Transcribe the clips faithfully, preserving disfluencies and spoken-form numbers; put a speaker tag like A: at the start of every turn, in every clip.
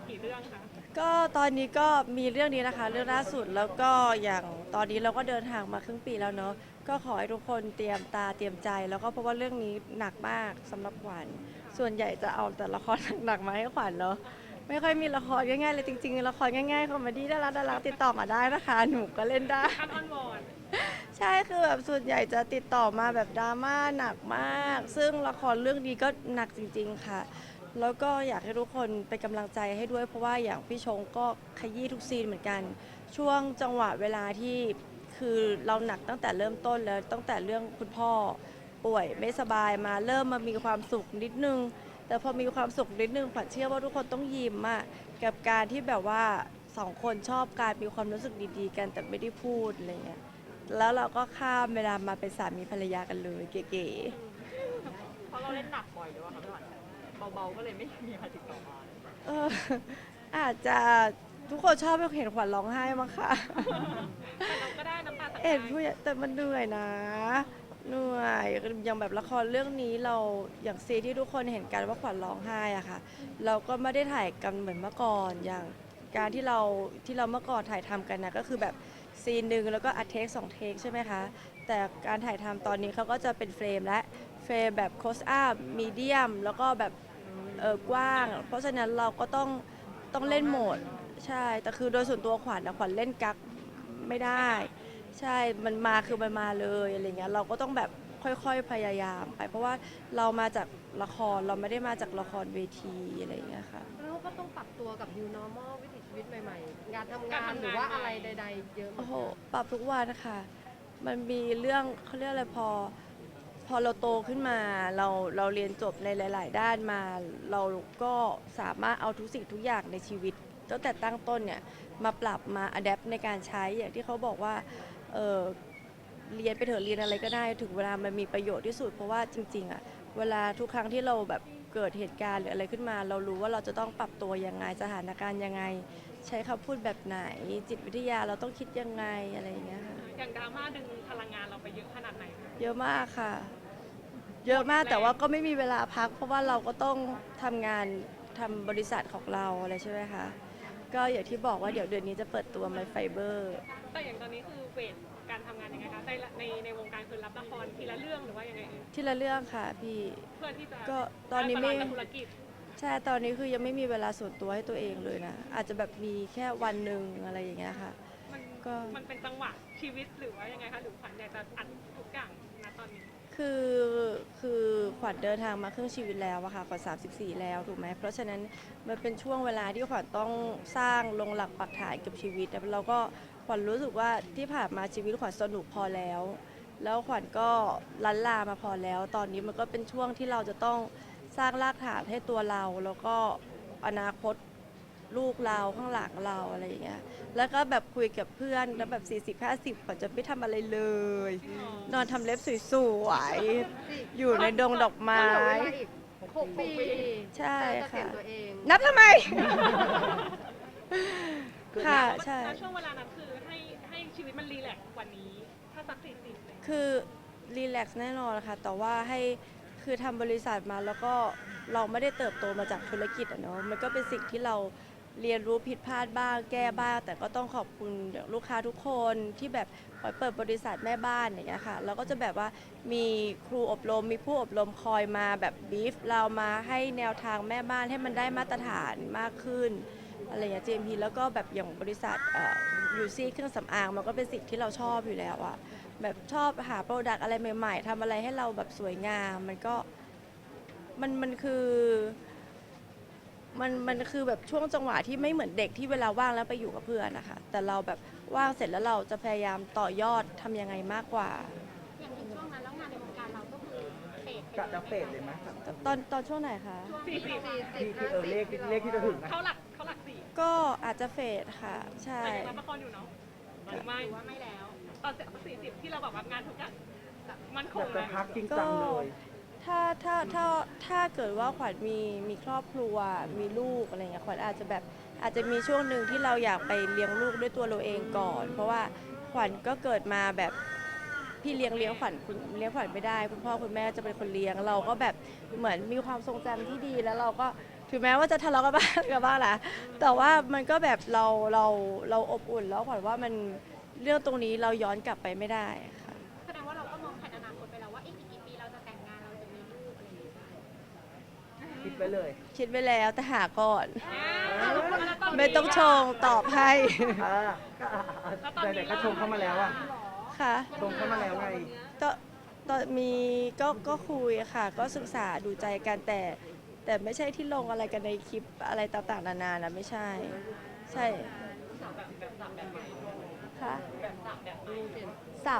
A: กี่เรื่องคะ
B: ก็ตอนนี้ก็มีเรื่องนี้นะคะเรื่องล่าสุดแล้วก็อย่างตอนนี้เราก็เดินทางมาครึ่งปีแล้วเนาะก็ขอให้ทุกคนเตรียมตาเตรียมใจแล้วก็เพราะว่าเรื่องนี้หนักมากสำหรับขวัญส่วนใหญ่จะเอาแต่ละครหนักๆมาให้ขวัญเนาะไม่ค่อยมีละครง่ายๆเลยจริงๆละครง่ายๆคอมเมดี้ดาราดาราติดต่อมาได้นะคะหนูก็เล่นได้
A: อันออนวอน
B: ใช่คือแบบส่วนใหญ่จะติดต่อมาแบบดราม่าหนักมากซึ่งละครเรื่องนี้ก็หนักจริงๆค่ะแล้วก็อยากให้ทุกคนเป็นกำลังใจให้ด้วยเพราะว่าอย่างพี่ชงก็ขยี้ทุกซีนเหมือนกันช่วงจังหวะเวลาที่คือเราหนักตั้งแต่เริ่มต้นแล้วตั้งแต่เรื่องคุณพ่อป่วยไม่สบายมาเริ่มมามีความสุขนิดนึงแต่พอมีความสุขนิดนึงขวัญเชื่อว่าทุกคนต้องยิ้มอะกับการที่แบบว่าสองคนชอบการมีความรู้สึกดีๆกันแต่ไม่ได้พูดอะไรเงี้ย แล้วเราก็ข้ามเวลามาเป็นสามีภรรยากันเลยเก๋
A: เพราะเราเล่นหนักบ่อยด้วยค่ะพี่หวานเบาๆก็เลยไม่มีใครติดต่อมา
B: ๆเอออาจจะทุกคนชอบเห็นขวัญร้องไห้มั้งคะ
A: แต่เราก็ได้น้ำตาตก
B: เอ็
A: ได้
B: นผู้ใหญ่แต่มันเหนื่อยนะเหนื่อยอย่างแบบละครเรื่องนี้เราอย่างซีนที่ทุกคนเห็นกันว่าขวัญร้องไห้อะค่ะเราก็ไม่ได้ถ่ายกันเหมือนเมื่อก่อนอย่างการที่เราที่เราเมื่อก่อนถ่ายทำกันนะก็คือแบบซีนหนึ่งแล้วก็อัดเทคสองเทคใช่ไหมคะแต่การถ่ายทำตอนนี้เขาก็จะเป็นเฟรมและเฟรมแบบโคสอัพมีเดียมแล้วก็แบบเออกว้างเพราะฉะนั้นเราก็ต้องต้องเล่นโหมดใช่แต่คือโดยส่วนตัวขวัญนะขวัญเล่นกักไม่ได้ ใช่ มันมาคือมันมาเลยอะไรเงี้ย เราก็ต้องแบบค่อยๆพยายามไป เพราะว่าเรามาจากละคร เราไม่ได้มาจากละครเวทีอะไรเงี้ยค่ะ
C: แล้วก็ต้องปรับตัวกับ new normal วิถีชีวิตใหม่ๆ งานทำ
A: การ
C: งานห
A: ทำงาน
C: รือว่าอะไร
A: ใหม่
C: ใดๆเยอะเหมื
B: โอ้โห
C: อนกัน
B: ปรับทุกวันค่ะ มันมีเรื่องเขาเรียกอะไรพอพอเราโตขึ้นมาเราเราเรียนจบในหลายๆด้านมาเราก็สามารถเอาทุกสิ่งทุกอย่างในชีวิตตั้งแต่ตั้งต้นเนี่ยมาปรับมาอัดแอปในการใช้อย่างที่เขาบอกว่าเออเรียนไปเถอะเรียนอะไรก็ได้ถึงเวลามันมีประโยชน์ที่สุดเพราะว่าจริงๆอะเวลาทุกครั้งที่เราแบบเกิดเหตุการณ์หรืออะไรขึ้นมาเรารู้ว่าเราจะต้องปรับตัวยังไงสถานการณ์ยังไงใช้คำพูดแบบไหนจิตวิทยาเราต้องคิดยังไงอะไรอย่างเงี้ยค่ะ
A: อย่างดราม่าดึงพลังงานเราไปเยอะขนาดไหนคะ
B: เยอะมากค่ะ เยอะมากแต่ว่าก็ไม่มีเวลาพักเพราะว่าเราก็ต้องทำงานทำบริษัทของเราอะไรใช่ไหมคะ ก็อย่างที่บอกว่าเดี๋ยวเดือนนี้จะเปิดตัว My Fiber
A: แต่อย่างตอนนี้คือเวทการทำงานยังไงคะในในในวงการคือรับละครทีละเรื่องหรือว่ายังไงเอ่ย
B: ที่ละเรื่องค่ะพี่
A: เพื่อที่จะ
B: ก็ตอนนี้ไม่
A: บาลานซ์กับธุรกิจ
B: ใช่ตอนนี้คือยังไม่มีเวลาส่วนตัวให้ตัวเองเลยนะ อาจจะแบบมีแค่วันหนึ่งอะไรอย่างเงี้ยค่ะ
A: มัน
B: ก็
A: มันเป็นจังหวะชีวิตหรือว่ายังไงคะหรือขวัญอยากจะอัดทุกอย่างณตอนนี้
B: คือคือขวัญเดินทางมาครึ่งชีวิตแล้วอะค่ะขวัญสามสิบสี่แล้วถูกไหมเพราะฉะนั้นมันเป็นช่วงเวลาที่ขวัญต้องสร้างลงหลักปักฐานกับชีวิตแล้วเราก็ขวัญรู้สึกว่าที่ผ่านมาชีวิตขวัญสนุกพอแล้วแล้วขวัญก็ลันลามาพอแล้วตอนนี้มันก็เป็นช่วงที่เราจะต้องสร้างรากฐานให้ตัวเราแล้วก็อนาคตลูกเราข้างหลังเราอะไรอย่างเงี้ยแล้วก็แบบคุยกับเพื่อนแล้วแบบสี่สิบห้าสิบขวัญจะไม่ทำอะไรเลย
A: จริงเหร
B: นอนทำเล็บสวยๆ อยู่ในดงดอกไม้
C: ก็เหลือเวลาอีกหกปี
B: ใช่
C: จะเกษียณ
B: ค่ะ
C: ตัวเอง
B: นับทำไม ค่ะ
A: แล้ว
B: ใช่
A: ช่วงเวลานั้นคือให้ให้ชีวิตมันรีแลกซ์กว่านี้ถ้าสักสี่สิบเลย
B: คือรีแลกซ์แน่นอนค่ะ แต่ว่าให้คือทำบริษัทมาแล้วก็เราไม่ได้เติบโตมาจากธุรกิจอะเนาะมันก็เป็นสิ่งที่เราเรียนรู้ผิดพลาดบ้างแก้บ้าง แต่ก็ต้องขอบคุณลูกค้าทุกคนที่แบบคอยเปิดบริษัทแม่บ้านอย่างเงี้ยค่ะแล้วก็จะแบบว่ามีครูอบรมมีผู้อบรมคอยมาแบบบีฟเรามาให้แนวทางแม่บ้านให้มันได้มาตรฐานมากขึ้นอะไรอย่างเงี้ย จี เอ็ม พี แล้วก็แบบอย่างบริษัทเอ่อยูซี่เครื่องสำอางมันก็เป็นสิ่งที่เราชอบอยู่แล้วอะแบบชอบหาโปรดักต์อะไรใหม่ๆทำอะไรให้เราแบบสวยงามมันก็มันมันคือมันมันคือแบบช่วงจังหวะที่ไม่เหมือนเด็กที่เวลาว่างแล้วไปอยู่กับเพื่อนนะคะแต่เราแบบว่างเสร็จแล้วเราจะพยายามต่อยอดทำยังไงมากกว่า
D: อย่างในช่วงนั้นแล้วงานในวงการเราก็คือเฟดไป
E: กะ
D: เลย
E: จะ
D: ไหม
E: เฟดเลยไหมครับ
B: ตอนตอนช่วงไหนคะ
A: สี่สิบ
C: สี่สิ
E: ที่
C: บ
E: ที่เออเลขที่เลขที่จะถึงนะ
A: เขาหลักเขาหลักสี่
B: ก็อาจจะเฟดค่ะใช่
A: แต่ยังรับละครอยู่เนาะหรือไม่
D: หรือว่าไม่แล้ว
A: ตอนสี่สิบที่เราแบบว่างานทุกอย่างแบบมั่นค
E: อง ยากจะ
A: นะ
E: พักจริง
B: ก็
E: จังเลย
B: ถ้าถ้าถ้าถ้าเกิดว่าขวัญมีมีครอบครัวมีลูกอะไรเงี้ยขวัญอาจจะแบบอาจจะมีช่วงหนึ่งที่เราอยากไปเลี้ยงลูกด้วยตัวเราเองก่อน เพราะว่าขวัญก็เกิดมาแบบพี่เลี้ยงเลี้ยงขวัญคุณเลี้ยงขวัญไม่ได้คุณพ่อคุณแม่จะเป็นคนเลี้ยงเราก็แบบเหมือนมีความทรงจำที่ดีแล้วเราก็ถึงแม้ว่าจะทะเลาะกันบ้างกันบ้างแหละแต่ว่ามันก็แบบเราเราเราอบอุ่นแล้วขวัญว่ามันเรื่องตรงนี้เราย้อนกลับไปไม่ได้ค่ะ
D: แสดงว่าเราก็มองแผนอนาคตไปแล้วว่าอีกกี่ปีเราจะแต่งงานเราจะมีลูกอะไรอย่างเงี้ย
E: คิดไว้เลย
B: คิดไว้แล้วแต่หาก่อน
A: อ่าแล้วตนนี้
B: ไม่ต้องชงตอบให้
E: อ่าก็ไหนๆก็ชมเข้ามาแล้วอ่ะ
B: ค่ะ
E: ชมเข้ามาแล้วไง
B: ก็ตอนมีก็ก็คุยค่ะ ก็ศึกษาดูใจกันแต่ แต่ไม่ใช่ที่ลงอะไรกันในคลิปอะไรต่างๆนานานะไม่ใช่ ใช่ค่ะสับ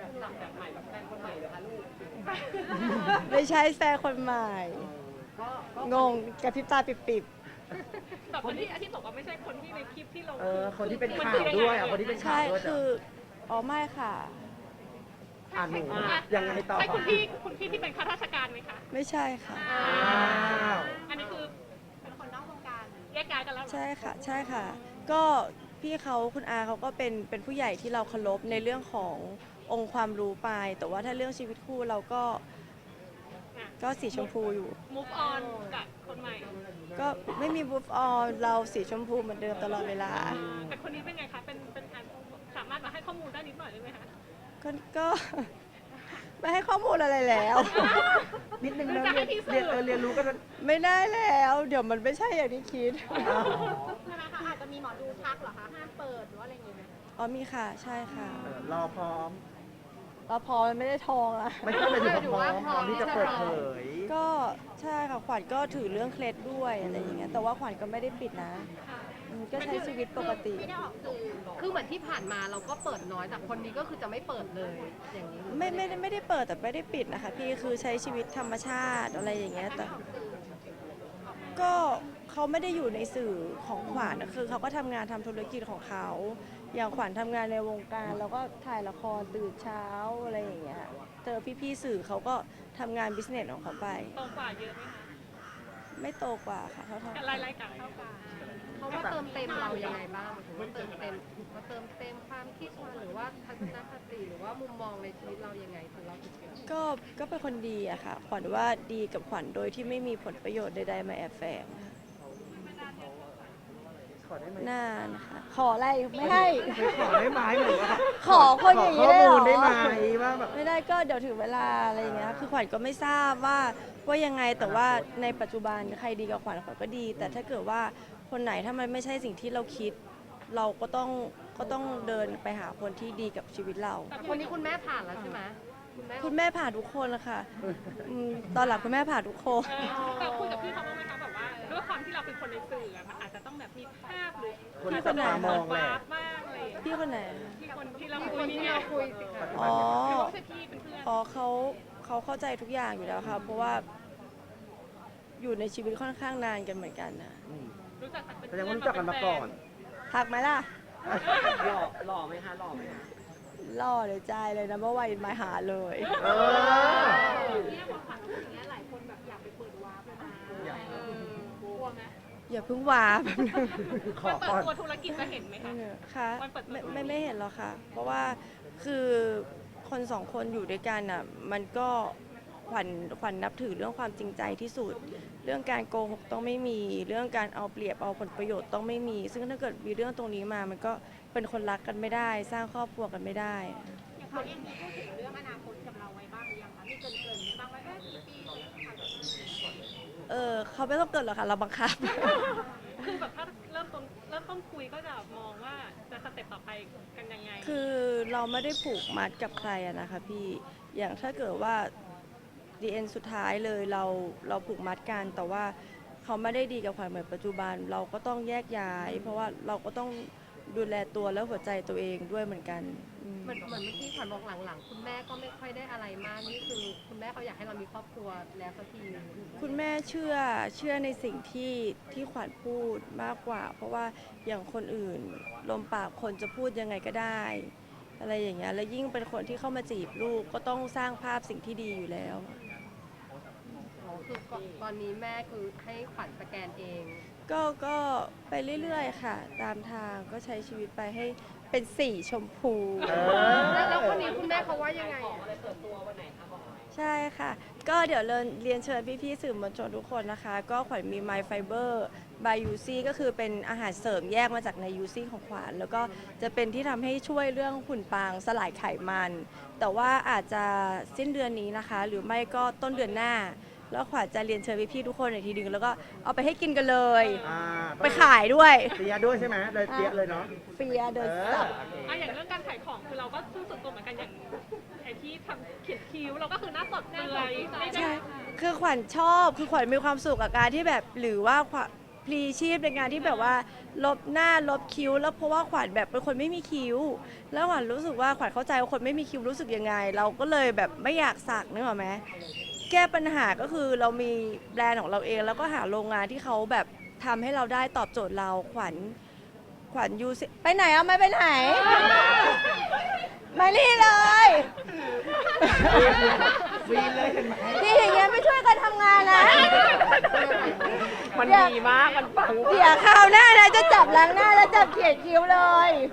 B: ไม่ใช่แฟนคนใหม่ งงกระพริบตาปิบ
A: แต่คนที่ที่บอกว่าไม่ใช่คนที่ในคลิปที่ลง
E: เออ คนที่เป็นข่าวด้วยอ่ะ คนที่เป็น
B: ๆ
E: ข่า
B: ใช่
E: วด้วย
B: คืออ๋อไม่ค่ะ
E: อ่านหนูยังไงต่อ
A: ใช่คุณพี่คุณพี่ที่เป็นข้าราชการไหมคะ
B: ไม่ใช่ค่ะ
E: อ้าว
A: อันนี้คือ
D: เป็นคนนอกวงการ
A: แยกย้ายกันแล้วเหรอ
B: ใช่ค่ะ ใช่ค่ะ ก็พี่เขาคุณอาเขาก็เป็นเป็นผู้ใหญ่ที่เราเคารพในเรื่องขององค์ความรู้ไป แต่ว่าถ้าเรื่องชีวิตคู่เราก็
A: อ่ะ
B: ก็สีชมพูอยู่
A: move on กับคนใหม่
B: ก็ไม่มี move on เราสีชมพูเหมือนเดิมตลอดเวลา
A: อ่าแต่คนนี้เป็นไงคะ เป็นเป็นอันสามารถมาให้ข้อมูลได้นิดหน่อยได้ไหมคะ
B: ก็ก็ ไม่ให้ข้อมูลอะไรแล้ว
E: นิดนึงนะเรียนเรียนเออเรียนรู้กัน
B: ไม่ได้แล้ว เดี๋ยวมันไม่ใช่อย่างที่คิด
D: ใช่ไหมคะอาจจะมีหมอดูทักเหรอคะห้ามเปิดหรือว่าอะไรอย่างเงี้ย
B: อ๋อมีค่ะ ใช่ค่ะ
E: เออรอพร้อม
B: เราพอมันไม่ได้ทองอะ
E: ไม่ใช่หมายถึงว่าพร้อมพร้อมที่จะเปิดเผย
B: ก็ใช่ค่ะขวัญก็ถือเรื่องเคล็ดด้วยอะไรอย่างเงี้ยแต่ว่าขวัญก็ไม่ได้ปิดนะอืมก็ใช้ชีวิตปกติ
D: ไม่ได้ออกสื่อ
C: คือเหมือนที่ผ่านมาเราก็เปิดน้อยแต่คนนี้ก็คือจะไม่เปิดเลยอย่างนี้
B: ไม่ไม่ได้ไม่ได้เปิดแต่ไม่ได้ปิดนะคะพี่คือใช้ชีวิตธรรมชาติอะไรอย่างเงี้ยแต่ก็เขาไม่ได้อยู่ในสื่อของขวัญนะคือเขาก็ทำงานทำธุรกิจของเขาอย่างขวัญทำงานในวงการแล้วก็ถ่ายละครตื่นเช้าอะไรอย่างเงี้ยเจอพี่ๆสื่อเขาก็ทำงานบิสเนสของเขาไป
A: โตกว่าเยอะไหมคะ
B: ไม่โตกว่าค่ะเท่า
A: แต่
B: ๆ
A: รายรายการเท่ากัน
C: เขามาเติมเต็มเรายังไงบ้างถึงว่าเติมเต็มมาเติมเต็มความคิดมาหรือว่าทัศนคติหรือว่ามุมมองในชีวิตเรายังไงถึงเราถึงเป็น
B: ก็ก็เป็นคนดีอะค่ะ ขวัญว่าดีกับขวัญโดยที่ไม่มีผลประโยชน์ใดๆมาแอบแฝงค่ะ
E: ขอได้ไหม
B: นานค่ะขออะไรไม่ให้
E: ไม่ขอได้ไหมหรือว่า
B: ขอคนอย่างนี้
E: ขอ
B: ได้
E: ข้อ
B: เหร
E: มู
B: อ
E: ลได้ไหมว่าแบบ
B: ไม่ได้ก็เดี๋ยวถึงเวลาอะไรอย่างเงี้ยคือขวัญก็ไม่ทราบว่าว่ายังไงแต่ว่าในปัจจุบันใครดีกับขวัญขวัญก็ดี แต่ถ้าเกิดว่าคนไหนถ้ามันไม่ใช่สิ่งที่เราคิด เราก็ต้องก็ต้องเดินไปหาคนที่ดีกับชีวิตเรา
C: คนนี้คุณแม่ผ่านแล้วใช่ไหมคุณแม่
B: คุณแม่ผ่านทุกคนละค่ะอืมตอนหลังคุณแม่ผ่านทุกคน
A: เออแต่คุยกับพี่เขาบ้างไหมคะแบบว่าด้วยความที่เราเป็นคนในสื่ออะมันอาจจะต้องแบบมีภาพหรือ
E: คน
B: ที่
E: จับ
B: ไหน
E: ตามองแหละ
A: วาร์ปบ้างอะไรอย่างเงี้ย
B: พี่คนไหน
A: ที่คนที่เรา
C: ที่
A: คุ
C: ค
A: ย
C: น
A: นี่
C: ที่
A: ไง
C: เราคุย
B: อ๋อ
A: หรือว่าไม่ใช่พี่เป็นเพื่อน
B: อ๋อเขาเขาเข้าใจทุกอย่างอยู่แล้วค่ะ เพราะว่าอยู่ในชีวิตค่อนข้างนานกันเหมือนกันนะ
E: อืม
A: รู้จักกันเป็น
E: แสดงว่ารู้จักกันมาก่อน
B: ทักไหมล่ะ
E: หล่อหล่อไหมคะหล่อไหมคะ
B: ล่อเลยใจเลยนะเมื่อวานมาหาเลย
E: เออ
D: เนี่ยพอผ่านมาอย่างเงี้ยหลายคนแบบอยากไปเปิดวาร์ปเลยนะ
E: อยาก
D: เออกลัวไหม
B: อย่าเพิ่งวาบ
E: ขอ
A: วันเปิด
E: ก่อน
A: ตัวธุรกิจจะเห็นไหมคะ
B: ค่ะ
A: วันเปิดตัว
B: ไม่ไม่ไม่เห็นหรอกค่ะ เพราะว่าคือคนสองคนอยู่ด้วยกันอ่ะมันก็ขวัญขวัญนับถือเรื่องความจริงใจที่สุด เรื่องการโกหกต้องไม่มีเรื่องการเอาเปรียบเอาผลประโยชน์ต้องไม่มี ซึ่งถ้าเกิดมีเรื่องตรงนี้มามันก็เป็นคนรักกันไม่ได้ สร้างครอบครัวกันไม่ได้
D: อย่างเขาเองมีพูดถึงเรื่องอนาคตกับเราไว้บ้างหรือยังคะมีเกรินๆบ้างว่าเอ๊ะกี่ปีจะผ่านแบบนี้
B: เออเขาไม่ต้องเกิดหรอกค่ะเราบังคับ
A: คือแบบถ้าเริ่มต้นเริ่มต้นคุยก็จะมองว่าจะสเต็ปต่อไปกันยังไง
B: คือเราไม่ได้ผูกมัดกับใครอะนะคะพี่ อย่างถ้าเกิดว่าดีเอ็นสุดท้ายเลยเราเราผูกมัดกัน แต่ว่าเขาไม่ได้ดีกับขวัญเหมือนปัจจุบัน เราก็ต้องแยกย้าย เพราะว่าเราก็ต้องดูแลตัวและหัวใจตัวเองด้วยเหมือนกันอืม
C: เหมือนเหมือนเมื่อกี้ขวัญบอกหลังๆ คุณแม่ก็ไม่ค่อยได้อะไรมากนี่คือคุณแม่เขาอยากให้เรามีครอบครัวแล้วสักทีนึง
B: คุณแม่เชื่อเชื่อในสิ่งที่ที่ขวัญพูดมากกว่า เพราะว่าอย่างคนอื่นลมปากคนจะพูดยังไงก็ได้ อะไรอย่างเงี้ยแล้วยิ่งเป็นคนที่เข้ามาจีบลูกก็ต้องสร้างภาพสิ่งที่ดีอยู่แล้ว
C: อ๋อคือก่อนตอนนี้แม่คือให้ขวัญสแกนเอง
B: ก็ก็ไปเรื่อยๆค่ะ ตามทางก็ใช้ชีวิตไปให้เป็นสีชมพู
E: เออ
C: แล้วแล้วคนนี้คุณแม่เขาว่ายังไงอะ
B: ใช่ค่ะ ก็เดี๋ยวเรียนเรียนเชิญพี่ๆสื่อมวลชนทุกคนนะคะ ก็ขวัญมี My Fiber by ยู ซี ก็คือเป็นอาหารเสริมแยกมาจากใน ยู ซี ของขวัญแล้วก็จะเป็นที่ทำให้ช่วยเรื่องหุ่นปางสลายไขมัน แต่ว่าอาจจะสิ้นเดือนนี้นะคะ หรือไม่ก็ต้นเดือนหน้า แล้วขวัญจะเรียนเชิญพี่ๆทุกคนในทีนึงแล้วก็เอาไปให้กินกันเลย
E: อ่า
B: ไปขายด้วย
E: เปียด้วยใช่ไหมเลยเปียเลยเนาะ
B: เฟียเดิน
E: เอ
B: สั
E: อบ
A: อ่ะอย่างเรื่องการขายของคือเราก็สู้สุดตัวเหมือนกันอย่างไอ้ที่ทำเขียนคิ้วเราก็คือหน้าสดเปลือยไม่ได้
B: ใช่ คือขวัญชอบ คือขวัญมีความสุขกับการที่แบบหรือว่าขวัญพลีชีพในงานที่แบบว่าลบหน้าลบคิ้ว แล้วเพราะว่าขวัญแบบเป็นคนไม่มีคิ้ว แล้วขวัญรู้สึกว่าขวัญเข้าใจว่าคนไม่มีคิ้วรู้สึกยังไง เราก็เลยแบบไม่อยากสักนึกออกไหมแก้ปัญหาก็คือเรามีแบรนด์ของเราเอง แล้วก็หาโรงงานที่เขาแบบทำให้เราได้ตอบโจทย์เราขวัญขวัญยูซิไปไหนอ่ะไม่ไปไหน มานี่เลย
E: วีนเลยเห็นไหม
B: ที่อย่างเงี้ยไม่ช่วยกันทำงานนะ
E: มันดีมาก มันปัง
B: เดี๋ยวคราวหน้านะจะจับล้างหน้าแล้วจับเขียนคิ้วเลย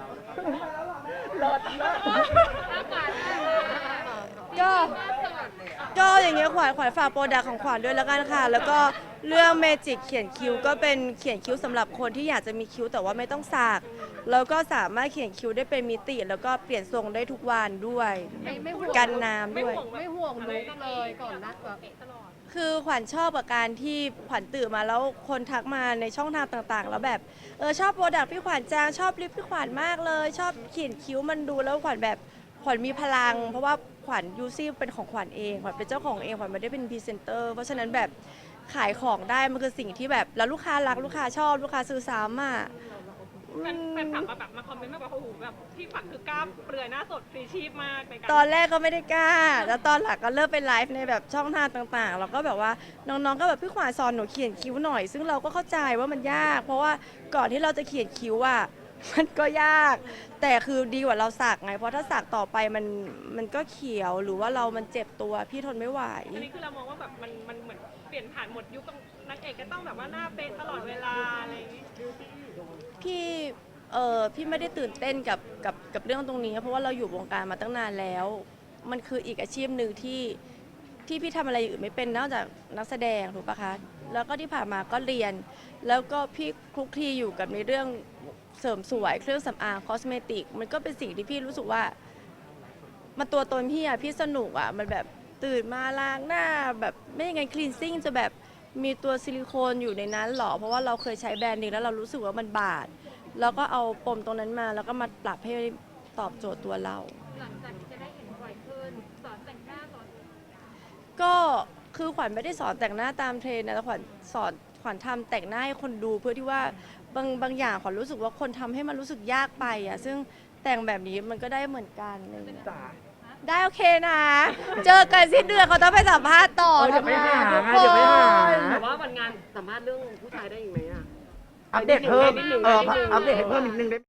B: ก็ก็อย่างเงี้ยขวัญขวัญฝากโปรดักต์ของขวัญด้วยแล้วกันค่ะ แล้วก็เรื่องเมจิกเขียนคิ้วก็เป็นเขียนคิ้วสำหรับคนที่อยากจะมีคิ้วแต่ว่าไม่ต้องสักแล้วก็สามารถเขียนคิ้วได้เป็นมิติ แล้วก็เปลี่ยนทรงได้ทุกวันด้วย
C: ไม่ไม่ห่วง
B: กันน้ำด้วย
C: ไม่ห่วงลุกเลยก่อนนะแบบ
A: ตลอด
B: คือขวัญชอบกับการที่ขวัญตื่นมาแล้วคนทักมาในช่องทางต่างๆ แล้วแบบเออชอบโปรดักต์พี่ขวัญจางชอบลิปพี่ขวัญมากเลย ชอบเขียนคิ้วมันดูแล้วขวัญแบบขวัญมีพลัง เพราะว่าขวัญยูซี่เป็นของขวัญเองขวัญเป็นเจ้าของเองขวัญไม่ได้เป็นพรีเซนเตอร์เพราะฉะนั้นแบบขายของได้มันคือสิ่งที่แบบแล้วลูกค้ารักลูกค้าชอบลูกค้าซื้อซ้ำอ่ะ
A: แฟนแฟนคลับมาแบบมาคอมเมนต์มาบอกว่าโอ้โหแบบพี่ฝันคือกล้ามเปลือยหน้าสดฟรีชีพมากในการ
B: ตอนแรกก็ไม่ได้กล้า แล้วตอนหลังก็เริ่มเป็นไลฟ์ในแบบช่องทางต่างๆ แล้วก็แบบว่าน้องๆ ก็แบบพี่ขวานสอนหนูเขียนคิ้วหน่อย ซึ่งเราก็เข้าใจว่ามันยาก เพราะว่าก่อนที่เราจะเขียนคิ้วอ่ะ มันก็ยาก แต่คือดีกว่าเราสักไง เพราะถ้าสักต่อไปมันมันก็เขียว หรือว่าเรามันเจ็บตัวพี่ทนไม่ไหว
A: อันนี้คือเรามองว่าแบบมันมันเหมือนเปลี่ยนผ่านหมดยุคนักเอกก็ต้องแบบว่าหน้าเป๊ะตลอดเวลาอะไรอย่างงี้
B: พี่เออพี่ไม่ได้ตื่นเต้นกับกับกับเรื่องตรงนี้ เพราะว่าเราอยู่วงการมาตั้งนานแล้ว มันคืออีกอาชีพหนึ่งที่ที่พี่ทำอะไรอย่างอื่นไม่เป็นนอกจากนักแสดงถูกปะคะแล้วก็ที่ผ่านมาก็เรียน แล้วก็พี่คลุกคลีอยู่กับในเรื่องเสริมสวยเครื่องสำอางคอสเมติกมันก็เป็นสิ่งที่พี่รู้สึกว่ามันตัวตนพี่อะพี่สนุกอะมันแบบตื่นมาล้างหน้าแบบไม่ยังไงคลีนซิ่งจะแบบมีตัวซิลิโคนอยู่ในนั้นหรอเพราะว่าเราเคยใช้แบรนด์นี้แล้วเรารู้สึกว่ามันบาดแล้วก็เอาปมตรงนั้นมาแล้วก็มาปรับให้ตอบโจทย์ตัวเรา
D: หลังจากนี้จะได้เห็นบ่อยขึ้นสอนแต่งหน้าสอน
B: ก็คือขวัญไม่ได้สอนแต่งหน้าตามเทรนด์นะแต่ขวัญสอนขวัญทำแต่งหน้าให้คนดูเพื่อที่ว่าบางบางอย่างขวัญรู้สึกว่าคนทำให้มันรู้สึกยากไปอ่ะซึ่งแต่งแบบนี้มันก็ได้เหมือนกันอะไรอย่างเงี้ย
E: จ๋า
B: ได้โอเคนะ เจอกันสิ้นเดือนเขาต้องไปสัมภาษณ์ต่อ
E: เออเดี๋ยวไปหา
B: ทุกค
E: เดี๋ยวไปหา
B: น
F: แต่ว่าวันงานสัมภาษณ์เรื่องผู้ชายได้อีกไหมอ่ะ
E: อัปเดตเพิ่ม
F: นิดนึง
E: เออ
F: นิดนึง
E: อัปเดตให้เพิ่มนิดนึงได้